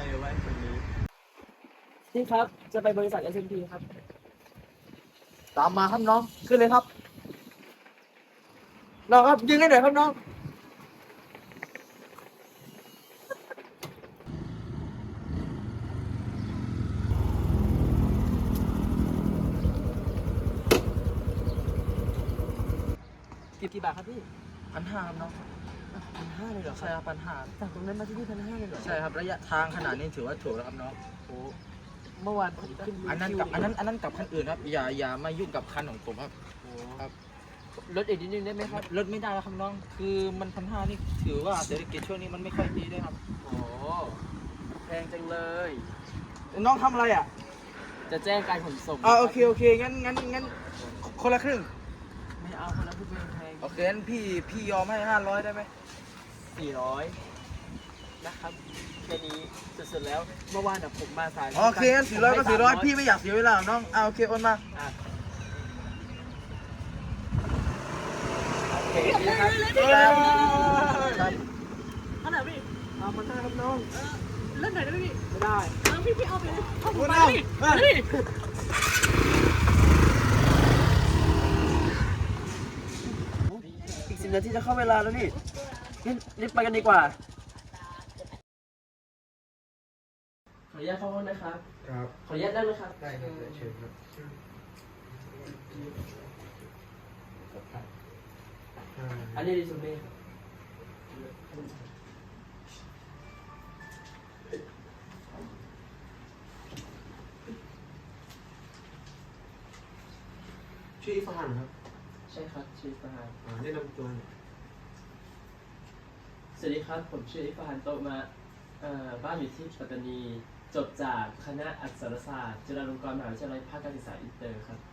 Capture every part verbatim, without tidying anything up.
ไว้คนนี้นี่ครับจะไปบริษัท เอส เอ็ม พี ครับตามมาครับน้องขึ้นเลยครับน้องครับยิงให้หน่อยครับน้องกี่กี่บาทครับพี่พันห้าครับน้องพันห้าเลยเหรอคใช่รับครับพันห้าจากตรงนั้นมาที่นี่พันห้าเลยเหรอใช่ครับระยะทางขนาดนี้ถือว่าถูกแล้วครับน้องโอ้เมื่อวานผมขึ้นอันนั้นกับอันนั้นอันนั้นกับคันอื่นครับอย่าอย่ามายุ่งกับคันของผมครับโอ้ครับลดอีกนิดนึงได้ไหมครับลดไม่ได้แล้วครับน้อง คือมันพันห้านี่ถือว่าเศรษฐกิจช่วงนี้มันไม่ค่อยดีด้วยครับโอ้แพงจังเลยน้องทำอะไรอ่ะจะแจ้งการขนส่งอ่าโอเคโอเคงั้นงั้นงั้นคนละครึ่งไม่เอาคนละพูดเป็นแพงโอเคงั้นพี่พี่ยอมให้ห้าร้อยได้ไหมสี่ร้อยนะครับแค่นี้สุดๆแล้วเมื่อวานน่ะผมมาสายโอเคงั้นสี่ร้อยก็สี่ร้อยพี่ไม่อยากเสียเวลาหรอกน้องอ่าโอเคโอนมาอ่ะโอเคนะครับครับอันไหนพี่เอามาได้ครับน้องเล่นไหนได้พี่ไม่ได้เออพี่พี่เอาไปเลยเอาผมไปเอาพี่เอาเอาพี่อีกสิบนาทีจะเข้าเวลาแล้วนี่งั้นรีบไปกันดีกว่า ขออนุญาตเข้าห้องนะครับครับขออนุญาตนั่งนะครับได้ครับเชิญครับอ่าอันนี้ดิซูเม่ครับชื่ออิฟานครับใช่ครับชื่อฟาฮานอ่าแนะนำตัวหน่อยสวัสดีครับ ผมชื่ออิฟาฮานโตะมาเอ่อบ้านอยู่ที่ปัตตานี จบจากคณะอักษรศาสตร์จุฬาลงกรณ์มหาวิทยาลัยภาคการศึกษาอินเตอร์ครับ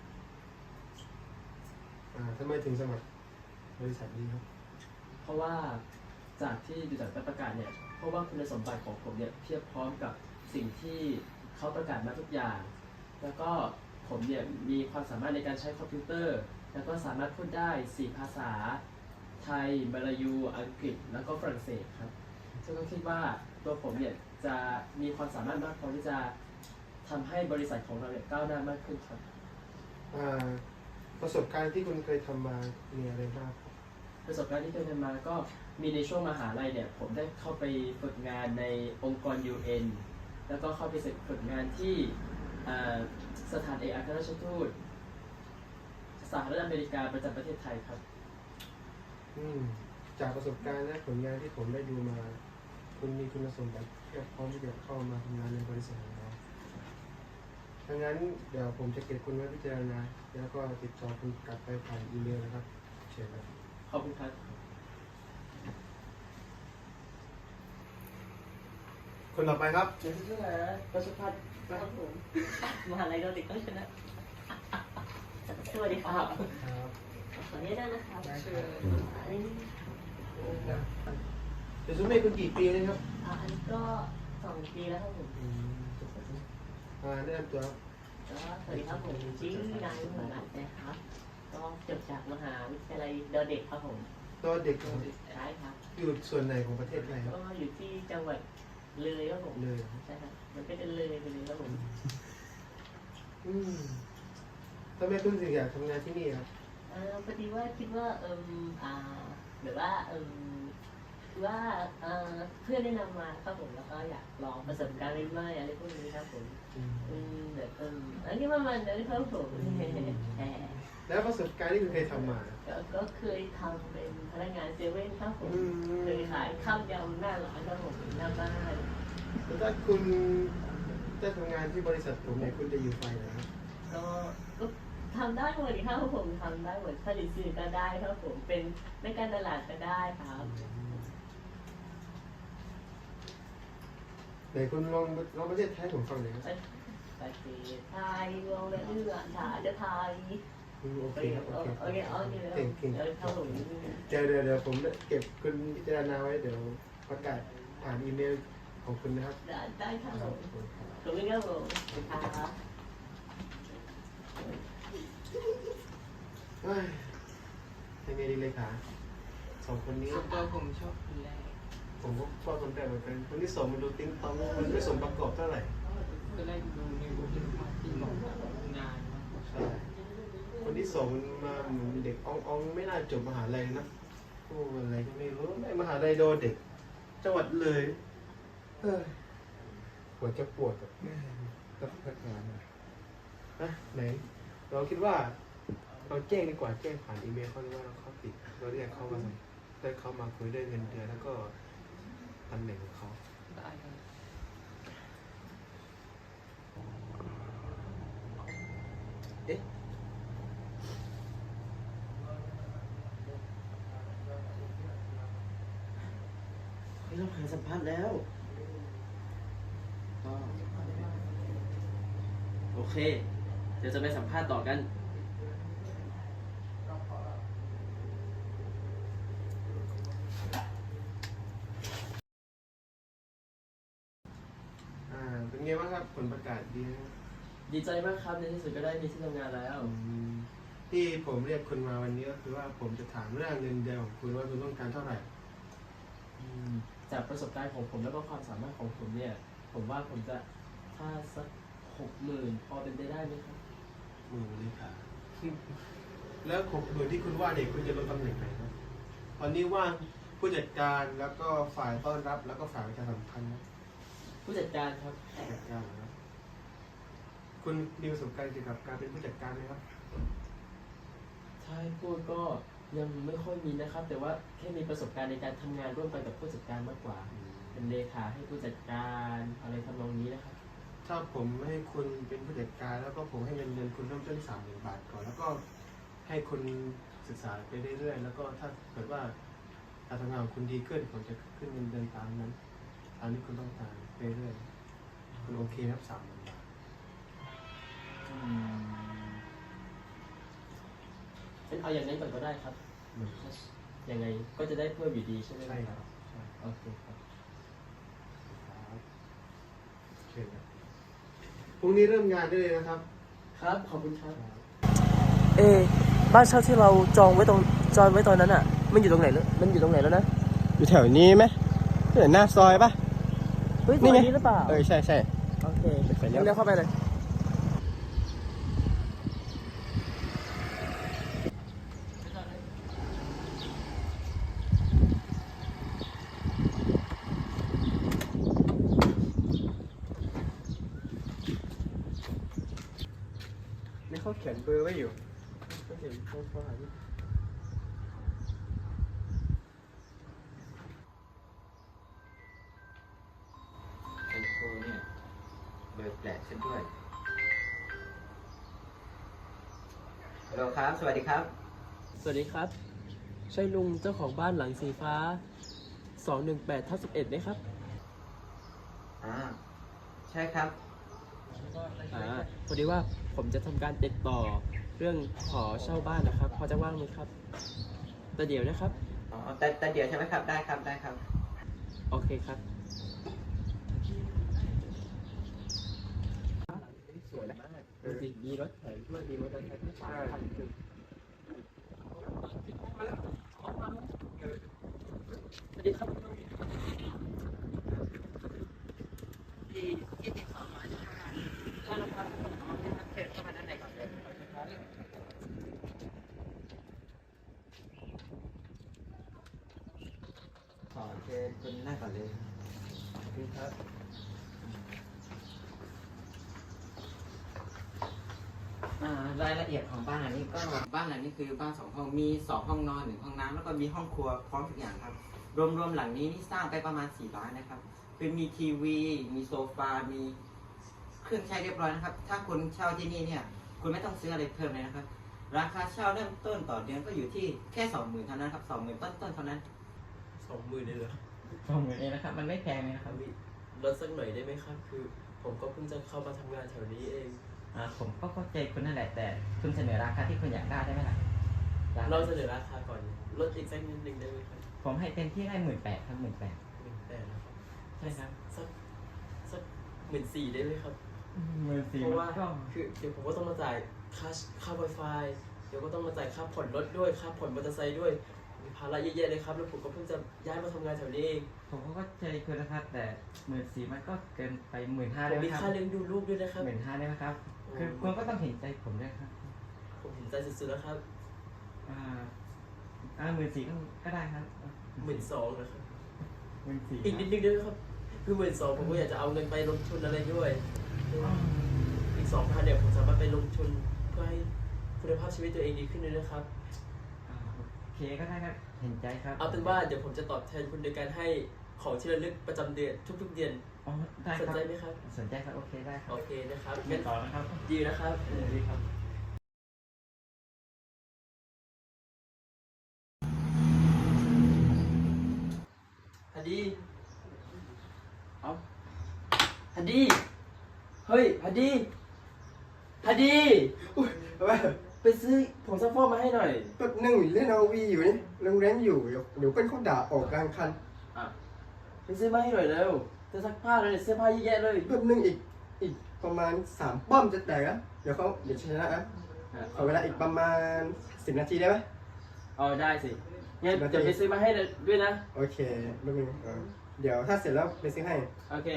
อ่าทำไมถึงสมัครบริษัทนี้ครับเพราะว่าจากที่ดูจากใบประกาศเนี่ย เพราะว่าคุณสมบัติของผมเนี่ยเทียบพร้อมกับสิ่งที่เขาประกาศมาทุกอย่าง แล้วก็ผมเนี่ยมีความสามารถในการใช้คอมพิวเตอร์ แล้วก็สามารถพูดได้สี่ภาษา ไทยมาลายู อังกฤษ แล้วก็ฝรั่งเศสครับ ซึ่งก็คิดว่าตัวผมเนี่ยจะมีความสามารถมากพอที่จะทำให้บริษัทของเราเนี่ยก้าวหน้ามากขึ้นครับอ่าประสบการณ์ที่คุณเคยทำมามีอะไรบ้างครับประสบการณ์ที่เคยทำมาก็มีในช่วงมหาลัยเนี่ยผมได้เข้าไปฝึกงานในองค์กร ยู เอ็น แล้วก็เข้าไปฝึกงานที่อ่าสถานเอกอัครราชทูตสหรัฐอเมริกาประจำประเทศไทยครับอืมจากประสบการณ์และผลงานที่ผมได้ดูมา คุณมีคุณสมบัติเพียบพร้อมที่จะเข้ามาทำงานในบริษัทของเราดังนั้นเดี๋ยวผมจะเก็บคุณไว้พิจารณาแล้วก็ติดต่อคุณกลับไปผ่านอีเมลนะครับเชิญครับขอบคุณครับคนต่อไปครับเดี๋ยวชื่ออะไรนะประชพัฒน์ครับผมมหาลัยเราเด็กต้องชนะสวัสดีครับครับขออนุญาตนะครับได้ครับคืออันนี้เดี๋ยวซุม่คุณกี่ปีเลยครับอ่าอันนี้ก็สองปีแล้วครับผมอืมอ่าแนะนำตัวครับก็สวัสดีครับผมชื่อนายหัวหนัดนะครับ ก็จบจากมหาวิทยาลัยเดอเด็กครับผมตัวเด็กครับใช่ครับอยู่ส่วนไหนของประเทศไทยครับก็อยู่ที่จังหวัดเลยครับผมเลยครับใช่ครับมันก็จะเลยไปเลยครับผมอืมทำไมคุณถึงอยากทำงานที่นี่ครับเออพอดีว่าคิดว่าเอิมอ่าแบบว่าเอิมคือว่าเอ่อเพื่อนแนะนำมาครับผมแล้วก็อยากลองประสบการณ์ใหม่ๆอะไรพวกนี้ครับผมอืมอืมแบบเอิมอันนี้ประมาณนั้นครับผมแหมแล้วประสบการณ์ที่คุณเคยทำมาก็ก็เคยทำเป็นพนักงานเซเว่นครับผมอืมเคยขายข้าวยำหน้าร้านครับผมหน้าบ้านแล้วถ้าคุณจะทำงานที่บริษัทผมเนี่ยคุณจะอยู่ไฟไหนครับก็ก็ทำได้หมดครับผมทำได้หมดผลิตสื่อก็ได้ครับผมเป็นในการตลาดก็ได้ครับไหนคุณลองลองประเทศไทยผมฟังหน่อยครับประเทศไทยลองและเอื้อชาติไทยอืมโอโอเคเคครับโอโอเคเคโอเคแล้วเก่งเก่งเออครับผมเดี๋ยวเดี๋ยวเดี๋ยวผมเก็บคุณพิจารณาไว้เดี๋ยวประกาศผ่านอีเมลของคุณนะครับได้ได้ครับคผรับมขอบคุณครับขอบคุณครับผมครับเฮ้ยยังไงดีเลยขาสองคนนี้ส่วนตัวผมชอบคนแรกอผมก็ชอบคนแรกเหมือนกันคนที่สองมันดูติ้งต้องมันไม่สมประกอบเท่าไหร่ก็ได้ดูในบทที่บอกงานใช่คนที่สองมันมาเหมือนเด็กอ่องๆไม่น่าจบมหาลัยนะโอ้อะไรก็ไม่รู้ไอ้มหาลัยโดเด็กจังหวัดเลยเฮ้ยปวดจะปวดกับกับพนักงานนะนะไหนเราคิดว่าเราแจ้งดีกว่าแจ้งผ่านอีเมลเขาหรือว่าเขาติดเราเรียกเขามาได้เขามาคุยได้เงินเดือนแล้วก็ตำแหน่งของเขาได้ครับเอ๊ะเฮ้ยเราหาสัมภาษณ์แล้วก็โอเค เดี๋ยวจะไปสัมภาษณ์ต่อกันอ่าเป็นไงบ้างครับผลประกาศดีไหมดีใจมากครับในที่สุดก็ได้มีที่ทำงานแล้วอืมที่ผมเรียกคุณมาวันนี้ก็คือว่าผมจะถามเรื่องเงินเดือนของคุณว่าคุณต้องการเท่าไหร่อืมจากประสบการณ์ของผมแล้วก็ความสามารถของผมเนี่ย ผมว่าผมจะถ้าสักหกหมื่นพอเป็นไปได้ไหมครับหมื่นเลยค่ะ แล้วหกหมื่นที่คุณว่าเนี่ยคุณจะลงตำแหน่งไหนครับตอนนี้ว่างผู้จัดการแล้วก็ฝ่ายต้อนรับแล้วก็ฝ่ายประชาสัมพันธ์นะผู้จัดการครับผู้จัดการเหรอครับคุณมีประสบการณ์เกี่ยวกับการเป็นผู้จัดการไหมครับถ้าให้พูดก็ยังไม่ค่อยมีนะครับ แต่ว่าแค่มีประสบการณ์ในการทำงานร่วมกันกับผู้จัดการมากกว่า เป็นเลขาให้ผู้จัดการอะไรทำนองนี้นะครับถ้าผมให้คุณเป็นผู้จัดการแล้วก็ผมให้เงินเดือนคุณเริ่มต้นสามหมื่นบาทก่อนแล้วก็ให้คุณศึกษาไปเรื่อยๆแล้วก็ถ้าเกิดว่าการทำงานของคุณดีขึ้นผมจะขึ้นเงินเดือนตามนั้นตามที่คุณต้องการไปเรื่อยๆคุณโอเคครับสามหมื่นบาทเป็นเอาอย่างนั้นก่อนก็ได้ครับเหมือนครับยังไงก็จะได้เพิ่มอยู่ดีใช่ไหมใช่ครับใช่โอเคครับครับโอเคครับพรุ่งนี้เริ่มงานได้เลยนะครับครับ ขอบคุณครับเอบ้านเช่าที่เราจองไว้ตรงจองไว้ตอนนั้นอ่ะ มันอยู่ตรงไหนแล้วมันอยู่ตรงไหนแล้วนะอยู่แถวนี้ไหมเห็นหน้าซอยปะเฮ้ยนี่ซไงอยนี้หรือเปล่าเออใช่ใช่โอเคไปเลี้ยวเลี้ยวเข้าไปเลยนี่เขาเขียนเบอร์ไว้อยู่ก็เห็นเขาเขาหาที่ไอโฟเนี่ยเบอร์แปลกเช่นด้วยฮัลโหลครับ สวัสดีครับสวัสดีครับ ใช่ลุงเจ้าของบ้านหลังสีฟ้า สองหนึ่งแปดทับสิบเอ็ดไหมครับอ่า ใช่ครับอ่า พอดีว่าผมจะทำการติดต่อเรื่องขอเช่าบ้านนะครับ พอจะว่างไหมครับ แต่เดี๋ยวนะครับอ๋อ แต่แต่เดี๋ยวใช่ไหมครับ ได้ครับ ได้ครับโอเคครับสวยมากเออมีรถแถมด้วยมีมอเตอร์ไซค์ที่สามคันคือสวัสดีครับขอเชิญคุณนั่งก่อนเลยครับอ่ารายละเอียดของบ้านหลังนี้ก็บ้านหลังนี้คือบ้านสองห้องมีสองห้องนอนหนึ่งห้องน้ำแล้วก็มีห้องครัวพร้อมทุกอย่างครับ รวมๆหลังนี้นี่สร้างไปประมาณสี่ล้านนะครับคือมีทีวี มีโซฟา มีเครื่องใช้เรียบร้อยนะครับ ถ้าคุณเช่าที่นี่เนี่ย คุณไม่ต้องซื้ออะไรเพิ่มเลยนะครับ ราคาเช่าเริ่มต้นต่อเดือนก็อยู่ที่แค่สองหมื่นเท่านั้นครับสองหมื่นต้นๆเท่านั้นสองหมื่นเลยเหรอสองหมื่นเองนะครับ มันไม่แพงเลยนะครับลดสักหน่อยได้ไหมครับ คือ ผมก็เพิ่งจะเข้ามาทำงานแถวนี้เองอ่าผมก็เข้าใจคุณนั่นแหละแต่คุณเสนอราคาที่คุณอยากได้ได้ไหมล่ะเราเสนอราคาก่อน ลดอีกสักนิดนึงได้ไหมครับผมให้เต็มที่ได้หมื่นแปดครับหมื่นแปดหมื่นแปดนะครับใช่ครับสักสักหมื่นสี่ได้ไหมครับหมื่นสี่เพราะว่าก็คือเดี๋ยวผมก็ต้องมาจ่ายค่าค่า Wi-Fi เดี๋ยวก็ต้องมาจ่ายค่าผ่อนรถด้วย ค่าผ่อนมอเตอร์ไซค์ด้วยภาระเยอะแยะเลยครับ แล้วผมก็เพิ่งจะย้ายมาทำงานแถวนี้เองผมก็เข้าใจคุณนะครับ แต่หมื่นสี่มันก็เกินไปหมื่นห้าผได้มไหมมีครับค่าเลี้ยงดูลูกด้วยนะครับหมื่นห้าได้ไหมครับ คือคุณก็ต้องเห็นใจผมด้วยครับผมเห็นใจสุดๆแล้วครับอ่าอ่าหมื่นสี่ก็ก็ได้ครับหมื่นสองนะครับหมื่นสี่อีกนิดนึงด้วยครับ คือหมื่นสองผมก็อยากจะเอาเงินไปลงทุนอะไรด้วย อีกสองพันเนี่ยผมสามารถไปลงทุนเพื่อให้คุณภาพชีวิตตัวเองดีขึ้นด้วยนะครับอ่าโอเคก็ได้ครับ เห็นใจครับเอาเป็นว่าเดี๋ยวผมจะตอบแทนคุณโดยการให้ของที่ระลึกประจำเดือนทุกๆเดือนอ๋อได้สนครับใจไหมครับสนใจครับ โอเคได้ครับโอเคนะครับเงินต่อนะครับดีนะครับดีครับฮันดีเอาฮันดีเฮ้ยฮันดีฮันดีอุ้ยเอาไปไปซื้อผงซักฟอกมาให้หน่อยแป๊บนึงเล่นเอาวีอยู่นี่โรงแรมอยู่เดี๋ยวเดี๋ยวเพื่อนเขาด่าออกกลางคันอ่ะไปซื้อมาให้หน่อยเร็วจะซักผ้าเลยเสื้อผ้าเยอะแยะเลยแป๊บนึงอีกอีกประมาณสามป้อมจะแตกแล้วเดี๋ยวเขาเดี๋ยวชนะนะขอเวลาอีกประมาณสิบนาทีได้ไหมอ๋อได้สิงั้นนาทีเดี๋ยวไปซื้อมาให้ด้วยนะโอเคแป๊บนึงเออเดี๋ยวถ้าเสร็จแล้วไปซื้อให้โอเค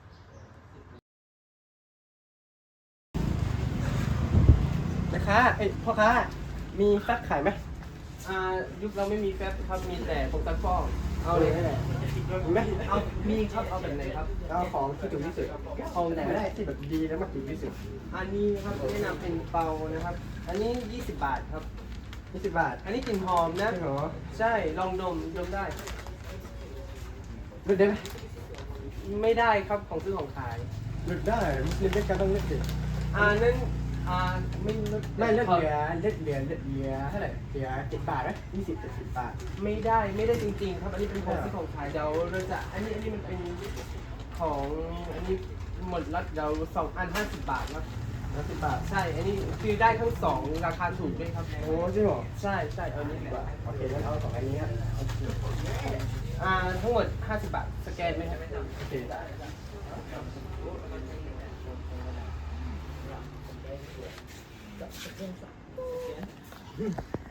นะคะเอ้ยพ่อค้ามีแฟบขายไหมอ่ายุคเราไม่มีแฟบครับมีแต่ผงซักฟอกเอาเลยให้ไหนมีไหมเอามีครับเอาแบบไหนครับเอาของที่ถูกที่สุดเอาไหนก็ได้ที่แบบดีแล้วมันถูกที่สุดอันนี้ครับแนะนำเป็นเปานะครับ อันนี้ยี่สิบบาทครับยี่สิบบาทอันนี้กลิ่นหอมนะใช่เหรอใช่ลองดมดมได้หลุดได้ไหมไม่ได้ครับของซื้อของขายหลุดได้มุสลิมด้วยกันต้องเลือกสิอ่านั้นอ่าไม่ลดไม่เลือกเหลือเลือกเหลือเลือกเหลือเท่าไหร่เหลือเจ็ดบาทไหมยี่สิบเจ็ดสิบบาทไม่ได้ไม่ได้จริงๆครับ อันนี้เป็นของซื้อของขายเดี๋ยวเราจะอันนี้อันนี้มันเป็นของอันนี้หมดแล้วเดี๋ยวสองอันห้าสิบบาทนะห้าสิบบาทใช่ อันนี้คือได้ทั้งสองราคาถูกด้วยครับโอ้จริงเหรอใช่ใช่เอาอันนี้ดีกว่าโอเคงั้นเอาสองอันนี้ครับอ่าทั้งหมดห้าสิบบาทสแกนไหมครับโอเคได้เ